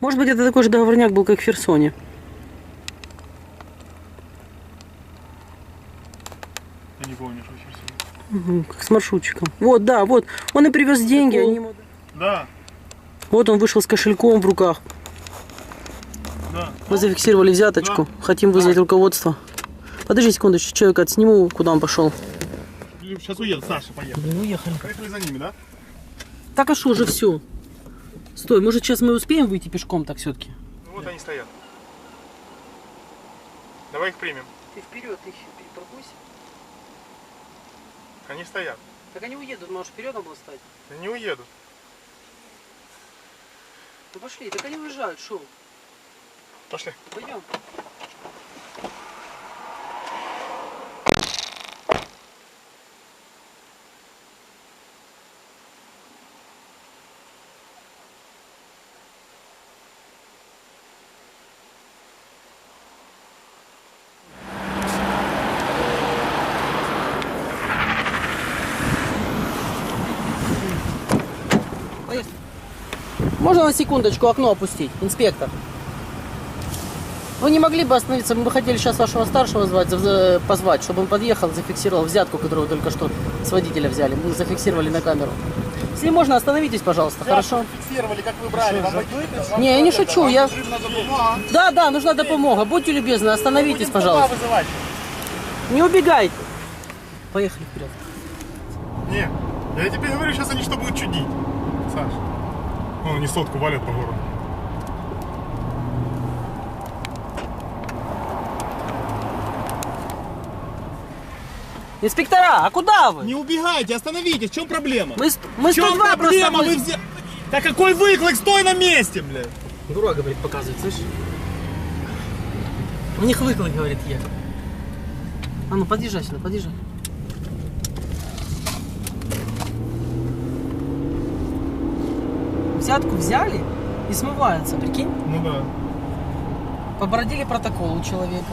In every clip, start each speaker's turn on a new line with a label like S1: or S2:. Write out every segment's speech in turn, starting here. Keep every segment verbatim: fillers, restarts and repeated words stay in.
S1: Может быть, это такой же договорняк был, как в Херсоне.
S2: Я не помню, что в Херсоне.
S1: Угу, как с маршрутчиком. Вот, да, вот. Он и привез деньги. Они ему...
S2: Да.
S1: Вот он вышел с кошельком в руках.
S2: Да.
S1: Мы зафиксировали взяточку. Да. Хотим вызвать руководство. Подожди секундочку, человека отсниму, куда он пошел.
S2: Сейчас уедут, Саша, поехали.
S1: Мы уехали.
S2: Поехали за ними, да?
S1: Так а что уже все? Стой, может сейчас мы успеем выйти пешком так все-таки?
S2: Ну вот да. Они стоят. Давай их примем.
S1: Ты вперед их пропусть.
S2: Они стоят.
S1: Так они уедут, может вперед надо было стать?
S2: Они не уедут.
S1: Ну пошли, так они уезжают, шо?
S2: Пошли.
S1: Пойдем. Можно на секундочку окно опустить, инспектор? Вы не могли бы остановиться? Мы бы хотели сейчас вашего старшего звать, позвать, чтобы он подъехал, зафиксировал взятку, которую только что с водителя взяли. Мы зафиксировали на камеру. Если можно, остановитесь, пожалуйста, взятку хорошо?
S2: Фиксировали, как вы брали. Вам пойдет?
S1: Не, я не шучу. Я... Да, да, нужна допомога. Будьте любезны, остановитесь, пожалуйста. Не убегайте. Поехали вперед.
S2: Не, я тебе говорю, сейчас они что будут чудить, Саш. Ну, они сотку валят по городу.
S1: Инспектора, а куда вы?
S2: Не убегайте, остановитесь, в чем проблема?
S1: Мы, мы
S2: в чем
S1: сто два
S2: проблема?
S1: просто...
S2: Вы взя... Да какой выклик, стой на месте, блядь!
S1: Дура, говорит, показывает, слышишь? У них выклик, говорит, я. А ну, подъезжай сюда, подъезжай. Взятку взяли и смываются, прикинь?
S2: Ну да.
S1: Побородили протокол у человека.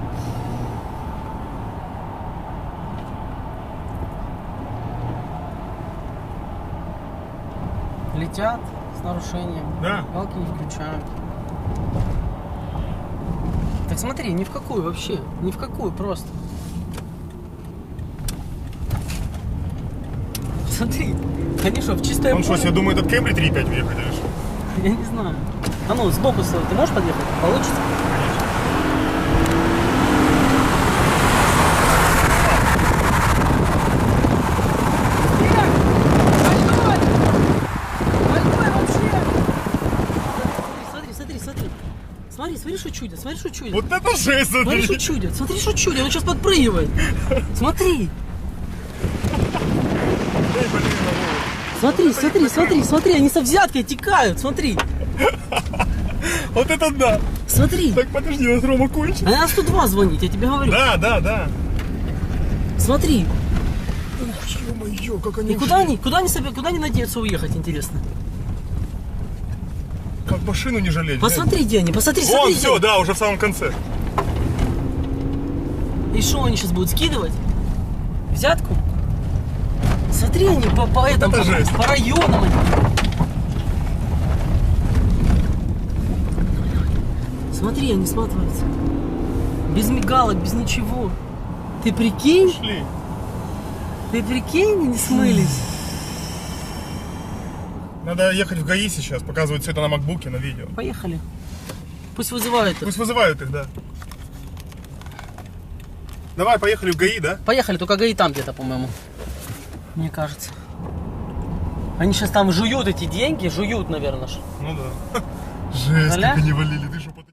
S1: Летят с нарушением.
S2: Да.
S1: Галки не включают. Так смотри, ни в какую вообще. Ни в какую просто. Смотри, они что, в чистое
S2: Он
S1: поле?
S2: что, себе думает от Кембри три пять въехать или что?
S1: Я не знаю. А ну, сбоку стой. Ты можешь подъехать? Получится? Смотри, смотри, смотри. Смотри, смотри, что чудят. Смотри, что чудят.
S2: Вот это жесть,
S1: Смотри,
S2: смотри.
S1: что чудят. Смотри, что чудят. Он сейчас подпрыгивает. Смотри. Смотри, смотри, смотри, смотри, они со взяткой текают, смотри.
S2: Вот это да.
S1: Смотри.
S2: Так, подожди, у нас Рома кончит.
S1: А на сто два звонить, я тебе говорю.
S2: Да, да, да.
S1: Смотри.
S2: Ух, ё-моё, как они
S1: И куда они, куда они себе, куда они надеются уехать, интересно?
S2: Как машину не жалеть.
S1: Посмотри, где они, посмотри,
S2: Вон,
S1: смотри.
S2: все, да, уже в самом конце.
S1: И что они сейчас будут скидывать? Взятку? Смотри, они по, по этому,
S2: это
S1: по,
S2: жесть.
S1: по районам. Они. Смотри, они сматываются. Без мигалок, без ничего. Ты прикинь?
S2: Пошли.
S1: Ты прикинь, они смылись.
S2: Надо ехать в ГАИ сейчас, показывать все это на макбуке, на видео.
S1: Поехали. Пусть вызывают их.
S2: Пусть вызывают их, да. Давай, поехали в ГАИ, да?
S1: Поехали, только ГАИ там где-то, по-моему. Мне кажется. Они сейчас там жуют эти деньги, жуют, наверное.
S2: Ну да. Жесть,
S1: Аля?
S2: как они валили, ты что,